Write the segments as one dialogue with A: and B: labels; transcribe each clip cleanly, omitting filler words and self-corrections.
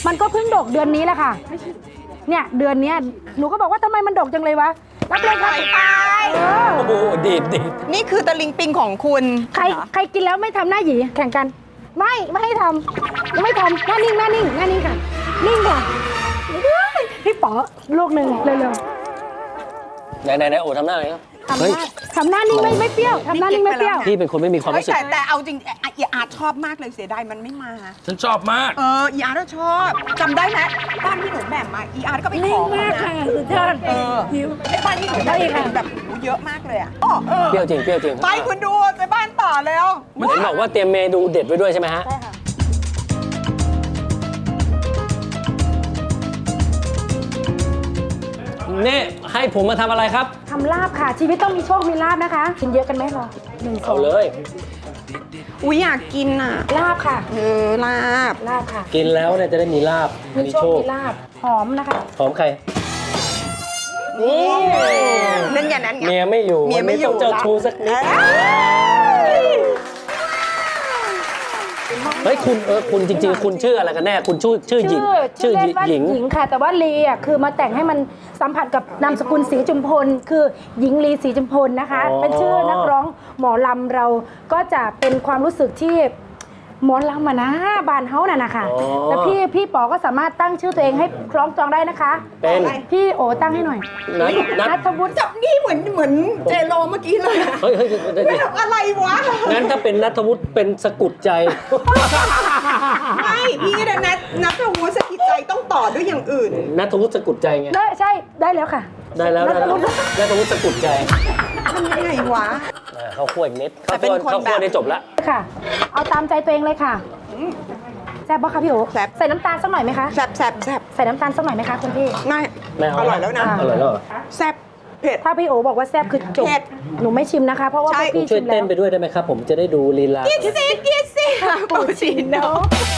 A: มันก็เพิ่งดกเดือนนี้แหละค่ะเนี่ยเดือนนี้หนูก็บอกว่าทำไมมันดกจังเลยวะรับเลยค่ะ
B: ไป
C: โอ้โหดีด
B: นี่คือตะลิงปิงของคุณ
A: ใครกินแล้วไม่ทำหน้าหยีแข่งกันไม่ให้ทำไม่ทำหน้านิ่งค่ะนิ่งค่ะพี่ป๋อลูกหนึ่งเร็ว
C: ไหนโอ้ทำหน้าอะไรครับ
A: ๆ
C: เฮ้ย
A: ทำหน้านิ่งไม่เปรี้ยวทำหน้านิ่งไม่เปรี้ยว
C: พี่เป็นคนไม่มีความรู้สึก
B: แต่เอาจริงอีอาร์ตชอบมากเลยเสียดายมันไม่มา
D: ฉันชอบมาก
B: อีอาร์ตชอบจำได้ไหมบ้านที่หนูแบ่งมาอีอาร์ตก็ไปขอ
A: มากค่ะสุดยอด
B: ไอ้บ้านที่หนูได้แบบเยอะมากเลยอ่ะ
C: เปรี้ยวจริง
B: ไปคุณดูไปบ้านต่อแล้ว
C: เห็นบอกว่าเตรียมเมนูเด็ดไว้ด้วยใช่ไหมฮะ
A: ใช่ค่ะ
C: นี่ให้ผมมาทำอะไรครับ
A: ทำลาบค่ะ ชีวิตต้องมีโชคมีลาบนะคะกินเยอะกันไหมเรา1 2
C: เอาเลย
B: อุ้ยอยากกินอ่ะ
A: ลาบค่ะ
B: ลาบ
A: ลาบค่ะ
C: กินแล้วเนี่ยจะได้มีลาบ
A: มีโชคมีลาบหอมนะคะ
C: หอมใคร
B: นี่นั่นไงนั่นไง
C: เมียไม่อยู่
B: เมียไม่อยู่
C: วันนี้ต้องเจ้าชู้สักนิดเฮ้ยคุณจริงๆ คุณชื่ออะไรกันแน่ คุณชื่อหญิง
A: ชื่อเล่นว่า
C: หญิง
A: หญิงค่ะ แต่ว่าลีอ่ะคือมาแต่งให้มันสัมผัสกับนามสกุลศรีจุมพล คือหญิงลีศรีจุมพลนะคะ
C: อ๋อ
A: เป็นชื่อนักร้องหมอลำเราก็จะเป็นความรู้สึกที่หมอลำนะบานเฮาน่ะนะคะแต่พี่ป๋อก็สามารถตั้งชื่อตัวเองให้คล้องจองได้นะคะ
C: เป็น
A: พี่โอตั้งให้หน่อย
C: นัท
A: ทวุฒิ
B: จับนี่เหมือนเจโรเมื่อกี้เลย
C: เฮ้ย
B: ไม่ทำอะไรวะ
C: งั้นถ้าเป็นนัทวุฒิเป็นสะกุดใจ
B: ไม่พี่นะนัทวุฒิสกิจใจต้องต่อด้วยอย่างอื่น
C: นัทวุฒิสะกุดใจไง
A: ได้ใช่ได้แล้วค่ะ
C: ได้แล้วนัทวุฒิสะกุดใจ
B: ทำยังไงวะ
C: ข้าวคั่วอีกนิด
B: แต่เป็นคน
C: ข้าวคั่ว
B: แบบ
C: ได้จบละ
A: ค่ะ เอาตามใจตัวเองเลยค่ะแซ่บปะคะพี่โอ
B: แซ่บ
A: ใส่น้ำตาลสักหน่อยไหมคะ
B: แซ่บ
A: ใส่น้ำตาลสักหน่อยไหมคะคุณพี่
B: ง่าย
C: ไม่เอา
B: อร่อยแล้วนะ
C: อร่อยแล้วเหรอ
B: แซ่บเผ็ด
A: ถ้าพี่โอบอกว่าแซ่บคือจบ
B: เผ็ด
A: หนูไม่ชิมนะคะ เพราะว่า
B: ใช่
A: พวกพี่
C: ช่ว
A: ชิ
C: ย
A: ม
C: เต้
A: แล้
C: น
A: ว
C: ไปด้วยได้ไหมครับ ผมจะได้ดูลีลา
B: กินสิปูชิโน่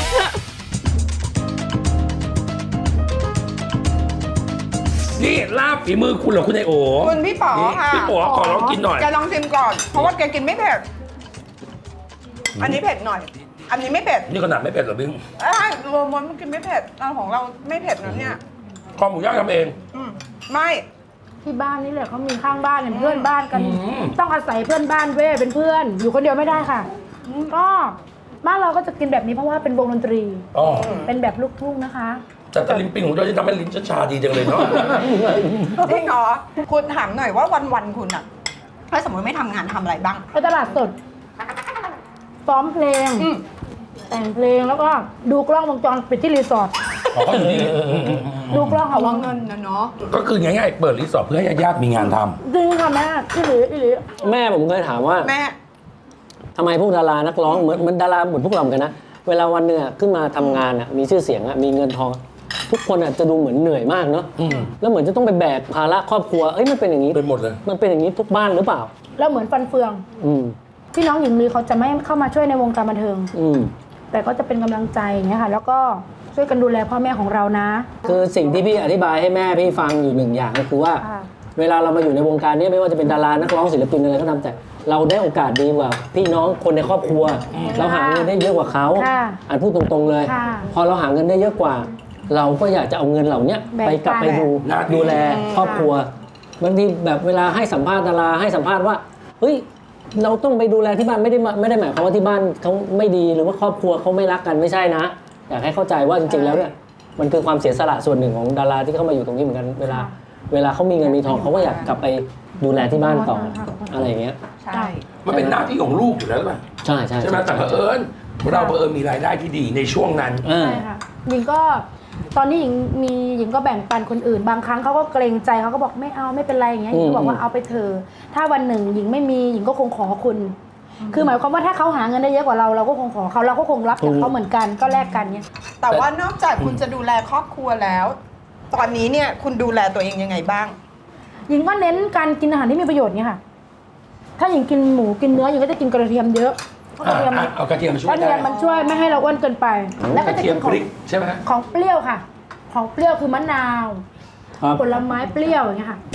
D: นี่ลาบฝีมือคุณเหรอคุณไอโอ
B: คุณพี่ป๋อค่ะ
D: พี่ป๋อขอลองกินหน่อย
B: แกลองชิมก่อน เพราะว่าแกกินไม่เผ็ด อันนี้เผ็ดหน่อย อันนี้ไม่เผ็ด
D: นี่ขนาดไม่เป็นเหรอบิง
B: รวมมันกินไม่เผ็ดเราของเราไม่เผ็ดนะเนี่ย
D: คอหมูย่างทำเอง
B: ไม่
A: ที่บ้านนี่แหละเขามีข้างบ้านเนี่ยเพื่อนบ้านกัน
D: อืม
A: ต้องอาศัยเพื่อนบ้านเว้ยเป็นเพื่อน อยู่คนเดียวไม่ได้ค่ะ ก็บ้านเราก็จะกินแบบนี้เพราะว่าเป็นวงดนตรี
D: อ๋อ
A: เป็นแบบลูกทุ่งนะคะ
D: แต่ตะลิงปิงของเราที่ทำให้ลิ้นชาดีจังเลยเนาะ
B: จริงเหรอคุณถามหน่อยว่าวันๆคุณอะถ้าสมมติไม่ทำงานทำอะไรบ้าง
A: ไปตลาดสดซ้อมเพลง แต่งเพลงแล้วก็ดูกล้องวงจรปิดที่รีสอร์ท
D: อ๋อเขาอยู่นี่
A: ดูกล้อง
B: เอา
A: ค่ะ
B: ว่าเงินนะเนาะ
D: ก็คือง่ายๆเปิดรีสอร์ทเพื่อให้ญาติๆมีงานท
A: จริงค่ะแม่อีหลีอีหลี
C: แม่ผมเคยถามว่า
B: แม่
C: ทำไมพวกดารานักร้องเหมือนดาราเหมือนพวกเราเหมือนกันนะเวลาวันหนึ่งอะขึ้นมาทำงานอะมีชื่อเสียงอะมีเงินทอง ทุกคนอะจะดูเหมือนเหนื่อยมากเนาะ
D: ำ
C: แล้วเหมือนจะต้องไปแบกภาระครอบครัวเอ้ยมันเป็นอย่างนี้
D: เป็นหมดเลย
C: มันเป็นอย่างนี้ทุกบ้านหรือเปล่า
A: แล้วเหมือนฟันเฟือง
C: อืม
A: พี่น้องหญิงลีเขาจะไม่เข้ามาช่วยในวงการบันเทิง
C: อืม
A: แต่ก็จะเป็นกำลังใจอย่างเงี้ยค่ะ แล้วก็ช่วยกันดูแลพ่อแม่ของเรานะ
C: คือสิ่งที่พี่อธิบายให้แม่พี่ฟังอยู่หนึ่งอย่างก็คือว่า
A: ค่ะ
C: เวลาเรามาอยู่ในวงการนี้ไม่ว่าจะเป็นดารานักร้องศิลปินอะไรก็ตามแต่เราได้โอกาสดีกว่าพี่น้องคนในครอบครัว เราหาเงินได้เยอะกว่าเขา
A: ค่ะ
C: อันพูดตรงๆเลย
A: ค่ะ
C: พอเราหาเงินได้เยอะกว่า เราก็อยากจะเอาเงินเหล่านี้
A: แบ่ง
C: ไปกลับ
A: ปัน
C: ไปดูแลครอบครัวบางทีแบบเวลาให้สัมภาษณ์ดาราให้สัมภาษณ์ว่าเฮ้ยเราต้องไปดูแลที่บ้านไม่ได้หมายความว่าที่บ้านเขาไม่ดีหรือว่าครอบครัวเขาไม่รักกันไม่ใช่นะ อยากให้เข้าใจว่าจริงๆแล้วเนี่ยมันคือความเสียสละส่วนหนึ่งของดาราที่เข้ามาอยู่ตรงนี้เหมือนกันเวลาเขามีเงินมีทองเขาก็อยากกลับไปดูแลที่บ้านต่ออะไรอย่างเงี้ย
B: ใช่
D: มันเป็นหน้าที่ของลูกอยู่แล้วหรือเปล่า
C: ใช่ใช่
D: ใช่ไหมแต่เผอิญเรามีรายได้ที่ดีในช่วงนั้น
C: อ่า
A: ใช่ค่ะหญิงก็ตอนนี้หญิงก็แบ่งปันคนอื่น บางครั้งเขาก็เกรงใจเขาก็บอกไม่เอาไม่เป็นไรอย่างเงี้ยหญิงก็บอกว่าเอาไปเถอะถ้าวันหนึ่งหญิงไม่มีหญิงก็คงขอคุณ คือหมายความว่าถ้าเขาหาเงินได้เยอะกว่าเราเราก็คงขอเขาเราก็คงรับจากเขาเหมือนกันก็แลกกันเนี่ย
B: แต่ว่านอกจากคุณจะดูแลครอบครัวแล้ว ตอนนี้เนี่ยคุณดูแลตัวเองยังไงบ้าง
A: หญิงก็เน้นการกินอาหารที่มีประโยชน์เนี่ยค่ะ ถ้าหญิงกินหมูกินเนื้อหญิงก็จะกินกระเทียมเยอะเพราะกระเทียม
D: เอากระเทียมมาช่วย
A: กระเทียมมันช่วยไม่ให้เราอ้วนเกินไป แล้ว
D: ก
A: ก็
D: ระ
A: จะ
D: เทีย
A: กิ
D: ม
A: น
D: พริกใช่ไหม
A: ของเปรี้ยวค่ะ ของเปรี้ยวคือมะนาว
C: ครับ
A: ผลไม้เปรี้ยวอย่างเงี้ยค่ะ